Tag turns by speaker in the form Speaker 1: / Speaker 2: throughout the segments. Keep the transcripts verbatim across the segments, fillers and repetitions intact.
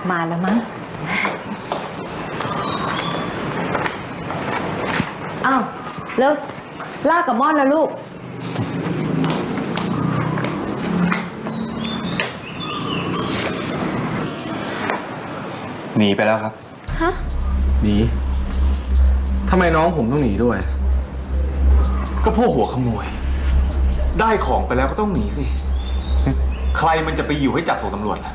Speaker 1: มาแล้วมั้งอ้าวแล้วล่ากับม่อนแล้วลูก
Speaker 2: หนีไปแล้วครับฮะหนีทำไมน้องผมต้องหนีด้วยก็พวกหัวขโมยได้ของไปแล้วก็ต้องหนีสิใครมันจะไปอยู่ให้จับส่งตำรวจล่ะ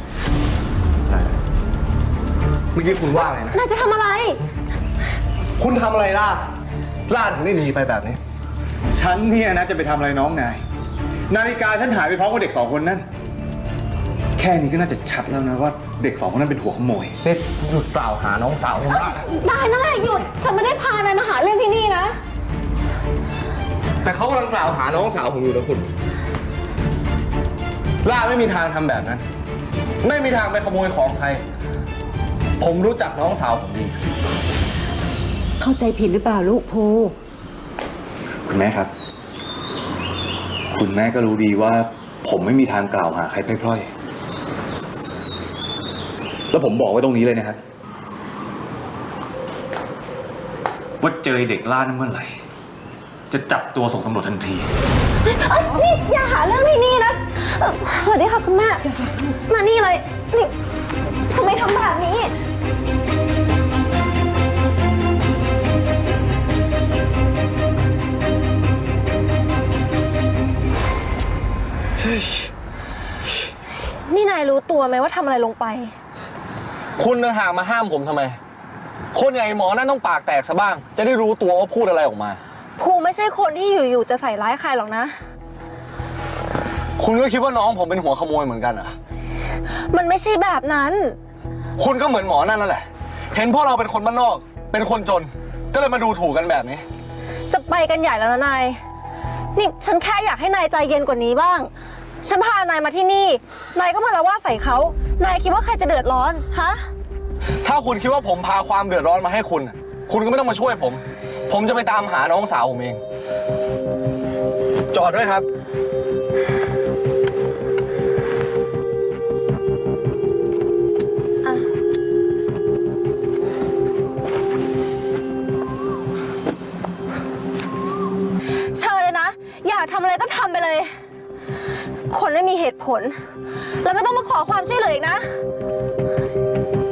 Speaker 2: เมื่อกี้คุณว่าอะไรนะ
Speaker 3: นายจะทำอะไร
Speaker 2: คุณทำอะไรล่ะล่าถึงได้หนีไปแบบนี้ฉันเนี่ยนะจะไปทำอะไรน้องนายนาฬิกาฉันหายไปพร้อมกับเด็กสองคนนั่นแค่นี้ก็น่าจะชัดแล้วนะว่าเด็กสองคนนั้นเป็นหัวขโมยเด็กหยุดกล่าวหาน้องสาวผมได้
Speaker 3: ได้นั่นแหละหยุดฉันไม่ได้พานายมาหาเรื่องที่นี่นะ
Speaker 2: แต่เขากำลังกล่าวหาน้องสาวผมอยู่นะคุณล่าไม่มีทางทำแบบนั้นไม่มีทางไปขโมยของใครผมรู้จักน้องสาวผมดี
Speaker 1: เข้าใจผิดหรือเปล่าลูกภู
Speaker 2: คุณแม่ครับคุณแม่ก็รู้ดีว่าผมไม่มีทางกล่าวหาใครพร่อยๆแล้วผมบอกไว้ตรงนี้เลยนะครับว่าเจอเด็กล่านั้นเมื่อไหร่จะจับตัวส่งตำรวจทันที
Speaker 3: นี่อย่าหาเรื่องที่นี่นะสวัสดีค่ะคุณแม่มานี่เลยนี่ทำไมทำแบบนี้นี่นายรู้ตัวไหมว่าทำอะไรลงไป
Speaker 2: คุณต่างหากมาห้ามผมทำไมคนอย่างไอ้หมอนั่นต้องปากแตกซะบ้างจะได้รู้ตัวว่าพูดอะไรออกมา
Speaker 3: ภูไม่ใช่คนที่อยู่ๆจะใส่ร้ายใครหรอกนะ
Speaker 2: คุณก็คิดว่าน้องผมเป็นหัวขโมยเหมือนกันเหรอ
Speaker 3: มันไม่ใช่แบบนั้น
Speaker 2: คุณก็เหมือนหมอนั่นนั่นแหละเห็นพวกเราเป็นคนบ้านนอกเป็นคนจนก็เลยมาดูถูกกันแบบนี้
Speaker 3: จะไปกันใหญ่แล้วนะนายนี่ฉันแค่อยากให้นายใจเย็นกว่านี้บ้างฉันพานายมาที่นี่นายก็มาละว่าใส่เขานายคิดว่าใครจะเดือดร้อนฮะ
Speaker 2: ถ้าคุณคิดว่าผมพาความเดือดร้อนมาให้คุณคุณก็ไม่ต้องมาช่วยผมผมจะไปตามหาน้องสาวผมเองจอดด้วยครับ
Speaker 3: เชิญเลยนะอยากทำอะไรก็ทำไปเลยคนไม่มีเหตุผลแล้วไม่ต้องมาขอความช่วยเหลืออีกนะ